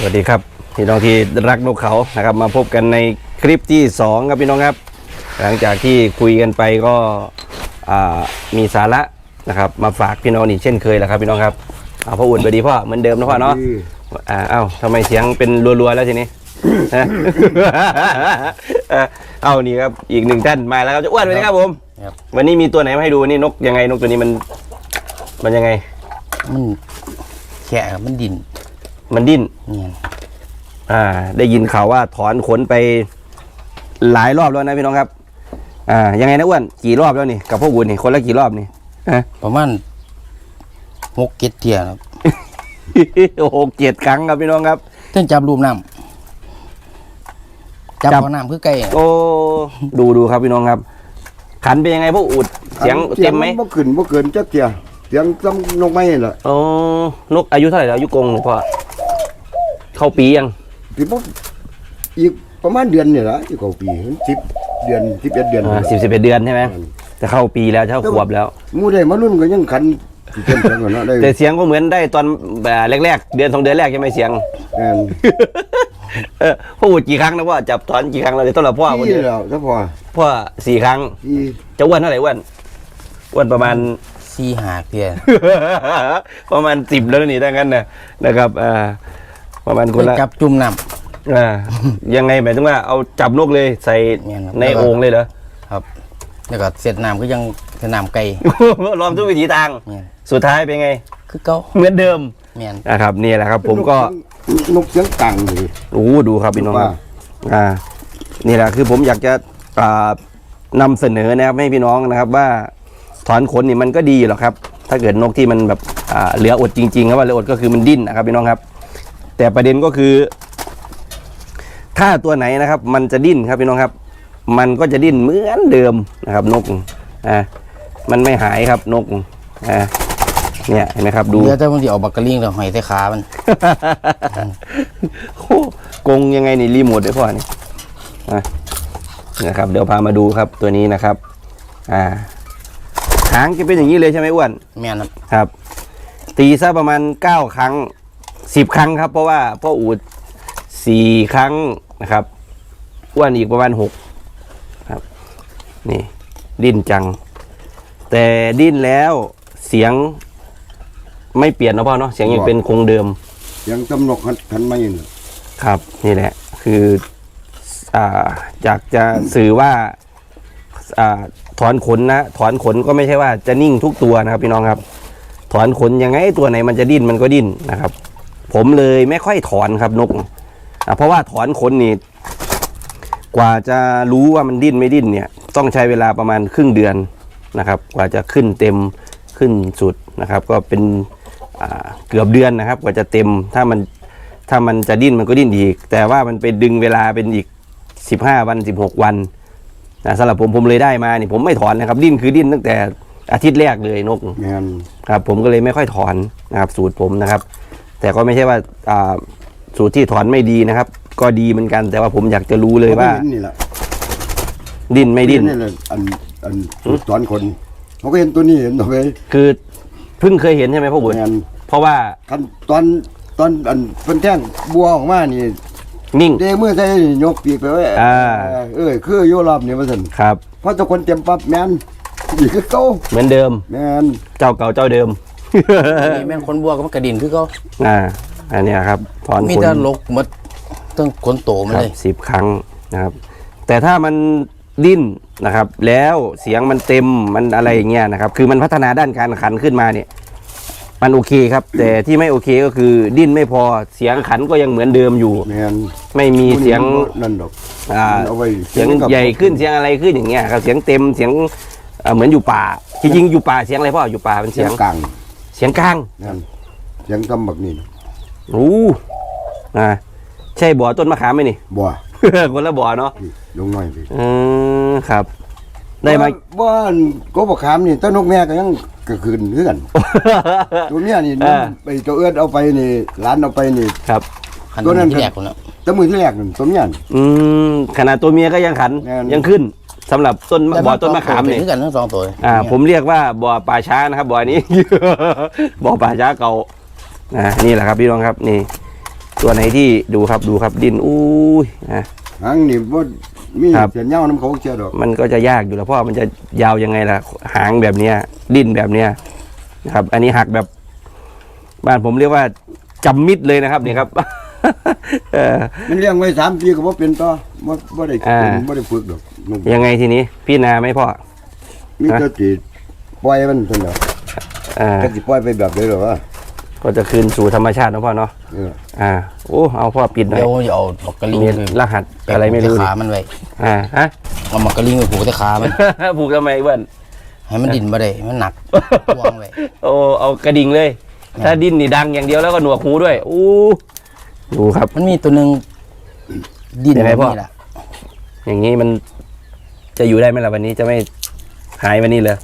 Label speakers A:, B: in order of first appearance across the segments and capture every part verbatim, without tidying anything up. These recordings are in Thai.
A: วัสดีครับพี่น้องที่รักนกเขานะครับมาพบกันในคลิปที่สองครับพี่น้องครับหลังจากที่คุยกันไปก็มีสาระนะครับมาฝากพี่น้องนี่เช่นเคยแหละครับพี่น้องครับเอาพ่ออุ่นสวัสดีพ่อเหมือนเดิมนะพ่อเนาะอ่าเอ้าทำไมเสียงเป็นรัวๆแล้วทีนี้ เอานี่ครับอีกหนึ่งท่านมาแล้วครับจะอ้วนไปนะครับผมวันนี้มีตัวไหนมาให้ดูนี่นกยังไงนกตัวนี้มันมันยังไง
B: มันแฉะมันดิน
A: มันดิ้นอ่าได้ยินข่าวว่าถอนขนไปหลายรอบแล้วนะพี่น้องครับอ่ายังไงนะอ้วนกี่รอบแล้วนี่กับพวกอุ่นนี่คนละกี่รอบนี่
B: ประมาณหกเจ็ดเที่ยครับ
A: หกเจ็ดครั้งครับพี่น้องครับ
B: เต้นจับรูปน้ำจับน้ำคือไก่
A: โอ้ดูดูครับพี่น้องครับขันเป็นยังไงพวกอุดเสียงเต็มไหม
C: เมื่อคืนเมื่อคืนจักเที่ยเสียงซ้ำนกไม้เหรอ
A: โอ้นกอายุเท่าไหร่แล้วอายุกงหรือเปล่าเข้าปียัง
C: ปีปุ๊บอีกประมาณเดือนเนี่ยละอีกเข้าปีสิบเดือนสิบเอ็ดเดือน
A: อ่าสิบสิบเอ็ดเดือนใช่ไหมจะเข้าปีแล้วจะเข้าขวบแล้ว
C: มูได้มารุ่นก็ยังขัน
A: แต่เสียงก็เหมือนได้ตอนแรกๆเดือนสองเดือนแรกใช่ไหมเสียงพ่ออุดกี่ครั้งนะพ่อจับถอนกี่ครั้งเราจะต้องรับพ่อคนเดียว
C: ถ้าพ่อ
A: พ่อสี่ครั้งจะอ้วนเท่าไหร่อ้วนอ้วนประมาณ
B: สี่หาเพีย
A: ประมาณสิบแล้วนี่ดังนั้นนะนะครับอ่าประมาณคนละ
B: จับจุ่มน้
A: ำอ่ายังไงหมายถึงว่าเอาจับนกเลยใส่ในโอ่งเลยเหรอ
B: ครับแล้วก็เสร็จน้ำก็ยังเสร็จน้ำไก่
A: ลองทุกวิถีทางสุดท้ายเป็นไง
B: คือเก่า
A: เหมือนเดิมนะครับนี่แหละครับผมก็
C: นกเสียงต่างเลย
A: โอ้ดูครับพี่น้องครับอ่านี่แหละคือผมอยากจะอ่านำเสนอนะครับให้พี่น้องนะครับว่าถอนขนนี่มันก็ดีหรอกครับถ้าเกิดนกที่มันแบบเหลืออดจริงๆครับว่าเหลืออดก็คือมันดิ้นนะครับพี่น้องครับแต่ประเด็นก็คือถ้าตัวไหนนะครับมันจะดิ้นครับพี่น้องครับมันก็จะดิ้นเหมือนเดิมนะครับนกอ่ามันไม่หายครับนกอ่าเนี่ยเห็นไหมครับดู
B: เดี๋ยวถ้ามันจะออกบักกะลิงแล้วหอยใส่ขามัน
A: โอ้กงยังไงนี่รีโมทได้พ่อนี่นะครับเดี๋ยวพามาดูครับตัวนี้นะครับอ่าหางจะเป็นอย่างนี้เลยใช่ไหมอ้วน
B: แม่น
A: ครับตีซะประมาณเก้าครั้งสิบครั้งครับเพราะว่าพ่ออูดสี่ครั้งนะครับอ้วนอีกประมาณหกครับนี่ดิ้นจังแต่ดิ้นแล้วเสียงไม่เปลี่ยนนะพ่อเนาะเสียงยังเป็นคงเดิม
C: เสียงตำนกขันไม่ยิน
A: ครับนี่แหละคืออ่าอยากจะสื่อว่าอ่าถอนขนนะถอนขนก็ไม่ใช่ว่าจะนิ่งทุกตัวนะครับพี่น้องครับถอนขนยังไงตัวไหนมันจะดิ้นมันก็ดิ้นนะครับผมเลยไม่ค่อยถอนครับนกอ่ะเพราะว่าถอนขนนี่กว่าจะรู้ว่ามันดิ้นไม่ดิ้นเนี่ยต้องใช้เวลาประมาณครึ่งเดือนนะครับกว่าจะขึ้นเต็มขึ้นสุดนะครับก็เป็นเกือบเดือนนะครับกว่าจะเต็มถ้ามันถ้ามันจะดิ้นมันก็ดิ้นอีกแต่ว่ามันไปดึงเวลาเป็นอีกสิบห้าวันสิบหกวันนะสำหรับผมผมเลยได้มานี่ผมไม่ถอนนะครับดิ้นคือดิ้นตั้งแต่อาทิตย์แรกเลยนกครับผมก็เลยไม่ค่อยถอนนะครับสูตรผมนะครับแต่ก็ไม่ใช่ว่าสูตรที่ถอนไม่ดีนะครับก็ดีเหมือนกันแต่ว่าผมอยากจะรู้เลยว่าดิ้นไม่ดิ้น
C: อันอันถอนคนเขาก็เห็นตัวนี้เห็นตัวไป
A: คือเพิ่งเคยเห็นใช่ไหมพ่อบุญเพราะว่า
C: ตอนตอนอันเป็นแท่งบัวออกมานี่
A: นิ่ง
C: เดเมื่อใส่ยกปีกไปไว้เออคือโยรอบนี่มาสั่น
A: ครับ
C: เพราะทุกคนเต็มปั๊บแมนอีกคือเก่า
A: เหมือนเดิม
C: แมน
A: เจ้าเก่าเจ้าเดิม
B: แมนขนบัวก็มันกระดิ่งคือเขา
A: อ่าอันนี้ครับถอนขน
B: มีแต่ลกมัดต้องขนโตมาเลย
A: สิบครั้งนะครับแต่ถ้ามันดิ้นนะครับแล้วเสียงมันเต็มมันอะไรอย่างเงี้ยนะครับคือมันพัฒนาด้านการขันขึ้นมาเนี่ยมันโอเคครับแต่ที่ไม่โอเคก็คือดิ้นไม่พอเสียงขันก็ยังเหมือนเดิมอยู่ไม่มีเสียง
C: นั่นดอก
A: อ่าเสียงใหญ่ขึ้นเสียงอะไรขึ้นอย่างเงี้ยครับเสียงเต็มเสียงเหมือนอยู่ป่าจริงๆอยู่ป่าเสียงอะไรพ่ออยู่ป่าเป็นเสียง
C: กลาง
A: เสียงกลาง
C: เสียงทำแบบนี้
A: โอ้อ่าใช่บ่อต้นมะขามไหมนี่
C: บ่อ
A: คนละบ่อเนาะ
C: ลงหน่อยสิ
A: อืมครับได้ไหม
C: บ้านก็บอกขามนี่ต้นนกแม่ก็ยังกระคืนเพื่อนตัวเนี้ยนี่ไปตัวเอื้อเอาไปนี่ร้านเอาไปนี่
A: ครับ
C: ตัวนั้นที่แรกคนละตัวมือที่แรกนั่นตัวเนี้ย
A: อืมขนาดตัวเมียก็ยังขันยังขึ้นสำหรับต้นบ่อต้นมะขามนี่
B: กันทั้งสองตัว
A: อ่าผมเรียกว่าบ่อป่าช้านะครับบ่อนี้บ่อป่าช้าเก่าอ่านี่แหละครับพี่น้องครับนี่ตัวไหนที่ดูครับดูครับดินอุ้ยนะ
C: หางนี่บ่มี
A: ครับ
C: เสียนเหย้าน้ำเขาเชียวดอก
A: มันก็จะยากอยู่แล้วเพราะว่ามันจะยาวยังไงล่ะหางแบบเนี้ยดิ้นแบบเนี้ยนะครับ อันนี้หักแบบบ้านผมเรียกว่าจำมิดเลยนะครับนี่ครับ เออ
C: มันเลี้ยงไว้สามปีก็บ่เป็นต่อบ่บ่ได้
A: อ่า
C: เป็นบ่ได้ฝึกดอกนก
A: ยังไงทีนี้พี่นาไหมพ่อ
C: มีแต่สิปล่อยมันเท่านั้น
A: อ่า
C: ก็สิปล่อยไปแบบใดหรอวะ
A: ก็จะคืนสู่ธรรมชาตินะพ่อเนาะ
C: เออ
A: อ่าโอ้เอาพ่อปิดหน่อย
B: เดี๋ยวจะเอาหมกกระลิง
A: มี
B: ไป
A: รหัสอะไรไม่รู้
B: ผูก
A: ดิ
B: ขามันไว้
A: อ่าฮะ
B: เอาหมกกระลิงไปผูกที่ขามัน
A: ผูกทำไมเบิ้ล
B: ให้มันดิ้นบ่ได้มันหนักวางไว้
A: โอ้เอากระดิ่งเลย ถ้าดิ้นนี่ดังอย่างเดียวแล้วก็หนวกหูด้วยอู้ดูครับ
B: มันมีตัวหนึงดิ้น
A: ยังไงพ่อ
B: นี่แหละ
A: อย่างนี้มันจะอยู่ได้ไหมล่ะวันนี้จะไม่หายวันนี้เลย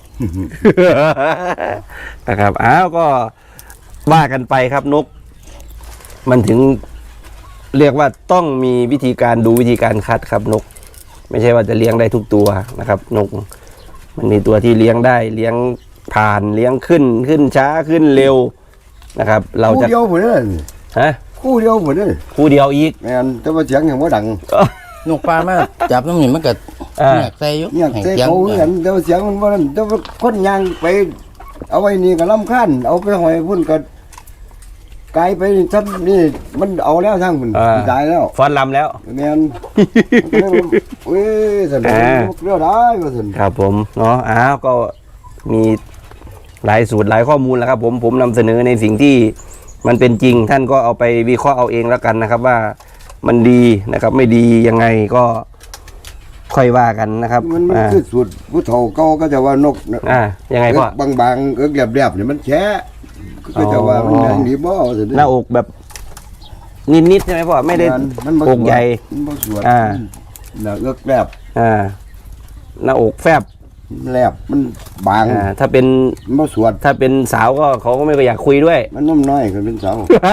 A: นะครับอ้าวก็ว่ากันไปครับนก มันถึงเรียกว่าต้องมีวิธีการดูวิธีการคัดครับนก ไม่ใช่ว่าจะเลี้ยงได้ทุกตัวนะครับ นก มันมีตัวที่เลี้ยงได้เลี้ยงผ่านเลี้ยงขึ้นขึ้นช้าขึ้นเร็วนะครับ เรา
C: คู่
A: จะ
C: เดียวพุ่นเด้อ
A: ฮะ
C: คู่เดียวพุ่นเด้อ
A: คู่เดียวอีก
C: แม่นแต่ว่าเสียงยังบ่ดัง
B: นกปลามาจับน้ำนี่มันก็
A: อ่า
B: เงียกใส่อยู่
C: เนี่ย
B: ให้
C: เตะ
B: สียง
C: เขาเหมือนกันแต่ว่าเสียงมันบ่นั่นแต่ว่าคนย่างไป เอาไว้นี่ก็รำคาญเอาไปหอยพุ่นก็ไกลไปนี่ซ้ำนี่มันเอาแล้วทางพุ่น
A: อ่า
C: ตายแล้ว
A: ฟอนลำแล้ว
C: แม่นเอ้ยสนุก
A: อ่า
C: เรื่องได้ว่าซั่น
A: ครับผมเนาะอ้าวก็มีหลายสูตรหลายข้อมูลแล้วครับ ผมผมนำเสนอในสิ่งที่มันเป็นจริง ท่านก็เอาไปวิเคราะห์เอาเองแล้วกันนะครับ ว่ามันดีนะครับ ไม่ดียังไงก็ค่อยว่ากันนะครับ
C: มันมัน
A: อ่า
C: คือสูตรผู้เฒ่าเก่าก็จะว่านกน่ะ
A: อ่ายังไงพ่อ
C: เอิ้กบางๆเอิกแหลบๆนี่มันแฉะก็จะว่ามันแรงดีบ่ว่าซั่น
A: หน้าอกแบบนิดๆใช่ไหมพ่อไม่ได้
C: มันบ่
A: อกใหญ่
C: มันบ่สวด
A: อ่า
C: น่ะเอิกแหลบ
A: อ่าหน้าอกแฟบ
C: แหลบมันบาง
A: อ่าถ้าเป็น
C: มันบ่สวด
A: ถ้าเป็นสาวก็เขาก็ไม่อยากคุยด้วย
C: มันนุ่มน้อยก็เป็นสาว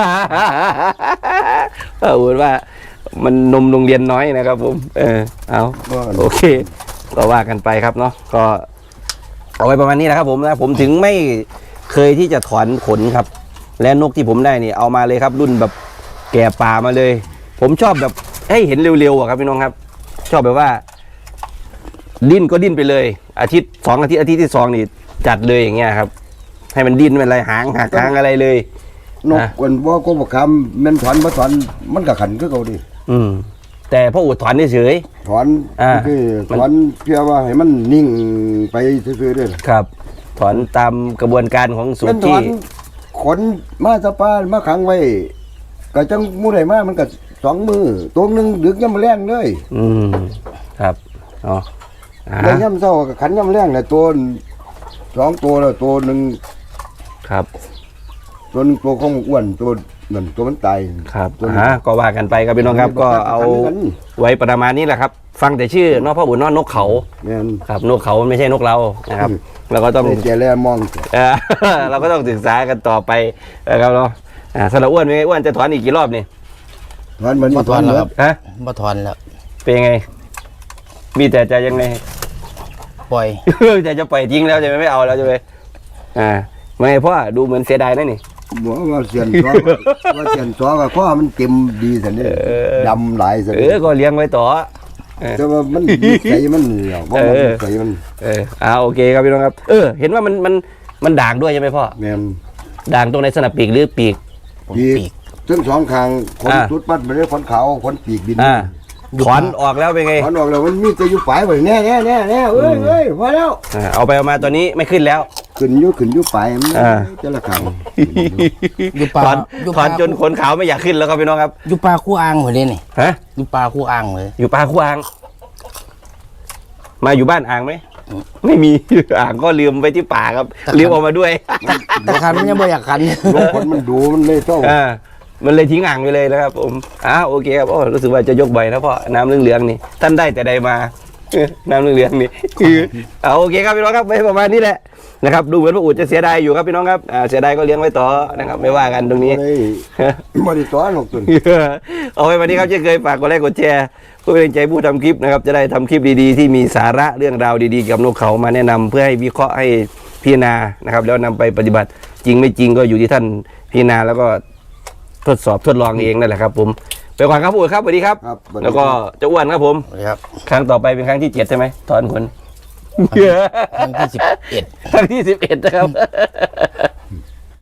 A: เออพูดว่ามันนมโรงเรียนน้อยนะครับ ผม เออเอา
C: ก็
A: โอเค ก็ว่ากันไปครับเนาะก็เอาไว้ประมาณนี้แหละครับ ผมนะผมถึงไม่เคยที่จะถอนขนครับ และนกที่ผมได้นี่เอามาเลยครับ รุ่นแบบแก่ป่ามาเลย ผมชอบแบบให้เห็นเร็วๆอะครับพี่น้องครับ ชอบแบบว่า ดิ้นก็ดิ้นไปเลย อาทิตย์สองอาทิตย์อาทิตย์ที่สองนี่จัดเลยอย่างเงี้ยครับ ให้มันดิ้นเป็นอะไรหางหักหางอะไรเลย
C: นก
A: อ่ะ
C: กวนบ่ก็บ่คำแม่นถอนบ่ถอนมันก็ขันคือเก่าดิ
A: อืม แต่พ่ออุดถอนเฉย
C: ถอน
A: อ่า
C: คือ
A: มัน
C: ถอนเพื่อว่าให้มันนิ่งไปซื่อๆเด้อ
A: ๆครับ ถอนตามกระบวนการของสู
C: แม่
A: ต
C: น
A: ร
C: ถ
A: ที่
C: อนขนมาสะปามาขังไว้ก็จังหมู่ใดมามันก็สองมือตัวหนึงดึกยามแรงเลย
A: อืมครับอ๋ออ่า
C: แล้วยามเช้าก็ขันยามแรงน่ะตัวสองตัวแล้วตัวหนึง
A: ครับ
C: ตัวหนึงตัวของอ้วนตัวนั่นตัวมันตาย
A: ครับ
C: ตัวนี้
A: อ่าก็ว่ากันไปครับพี่น้องครับ ก็เอาไว้ประมาณนี้แหละครับ ฟังแต่ชื่อนอกพ่อบุญนอกนกเขา
C: แม่น
A: ครับนกเขามันไม่ใช่นกเรานะครับ
C: อืม
A: เราก็ต้อง
C: ได้แก่แลมอง
A: เออ เราก็ต้องศึกษากันต่อไปนะครับเนาะอ่าสำหรับอ้วนเป็นไงอ้วนจะถอนอีกกี่รอบนี่
C: ถอนมัน
B: บ่ถอนแล้วครับ
A: ฮะ
B: บ่ถอนแล้ว
A: เป็นยังไง มีแต่จะยังไง
B: ปล่อย
A: แต่จะปล่อยทิ้งแล้วใช่ไหมไม่เอาแล้วใช่ไหมอ่าไม่เพราะดูเหมือนเสียดายนะนี่
C: บอกว่าเสียนซ้อว่าเสียนซ้อก็ข้อมันเต็มดีสันนี่
A: เออ
C: ดำหลายสัน
A: เออก็เลี้ยงไว้ต่อ
C: แต่ว่ามันนิสัยมันเหนียวเพราะมัน
A: เออ
C: นิสัยมัน
A: เอออ่าโอเคครับพี่น้องครับ เออ เห็นว่ามันมันมันด่างด้วยใช่ไหมพ่อ
C: แม่น
A: ด่างตรงในสนับปีกหรือปีก
B: ผม
C: ปี
B: ปี
C: ก
B: ก
C: ทั้งสองข้างขน
A: อ่า
C: สุดปัดไปเลยขนขาวขนปีกบิน
A: อ่าถอนออกแล้วเป็นไง
C: ถอนออกแล้วมันมีแต่อยู่ปลายไปแน่แน่แน่แน่เอ้ยเอ้ยพอแล้ว
A: อ่าเอาไปเอามาตอนนี้ไม่ขึ้นแล้ว
C: ขึ้นอยู่ขึ้นอยู่ปลายมัน
A: อ่า
C: จะละข้าง
B: อยู่ปลา
A: ถอน
B: อยู่
A: ถ
B: ป
A: อ
B: ลาน
A: จนขนขาวไม่อยากขึ้นแล้วครับพี่น้องครับ
B: อยู่ปลาคู่อ่างหมดเลยนี่
A: ฮะ
B: อยู่ปลาคู่อ่างเลย
A: อยู่ปลาคู่อ่าง มาอยู่บ้านอ่างไหม ไม่มี อ่างก็ลืมไปที่ป่าครับ ลืมเออกมาด้วย
B: แต่คันมันยังบ่อยากคัน
C: ลงคนมันดูมันเลยเศร้า
A: อ่ามันเลยทิ้งอ่างไปเลยนะครับผมอ้าวโอเคครับโอ้รู้สึกว่าจะยกบ่อยนะเพราะน้ำเหลืองๆนี่ท่านได้แต่ใดมา น้ำเหลืองๆนี่ คือเอาโอเคครับพี่น้องครับไปประมาณนี้แหละนะครับดูเหมือนพระอูดจะเสียดายอยู่ครับพี่น้องครับอ่าเสียดายก็เลี้ยงไว้ต่อนะครับไม่ว่ากันตรงนี้
C: บ่ได้บ่ได้สอนหรอกตัว
A: เอาไว้วันนี้ครับเช่นเคยฝากกดไลค์กดแชร์เพื่อเป็นกำลังใจผู้ทำคลิปนะครับจะได้ทำคลิปดีๆที่มีสาระเรื่องราวดีๆเกี่ยวกับนกเขามาแนะนำเพื่อให้วิเคราะห์ให้พิจารณานะครับแล้วนำไปปฏิบัติจริงไม่จริงก็อยู่ที่ท่านพิจารณาแล้วก็ทดสอบทดลองเองนั่นแหละครับผมไปก่อนครับพูดครับสวัสดีครับ
C: ครับ
A: แล้วก็เจะอ้วนครับผม
B: สวัสดีครับ
A: ครั้งต่อไปเป็นครั้งที่เจ็ดใช่ไหมถอนขน
B: ครั้งที่สิบเอ็ด
A: ครั้งที่สิบเอ็ดนะครับ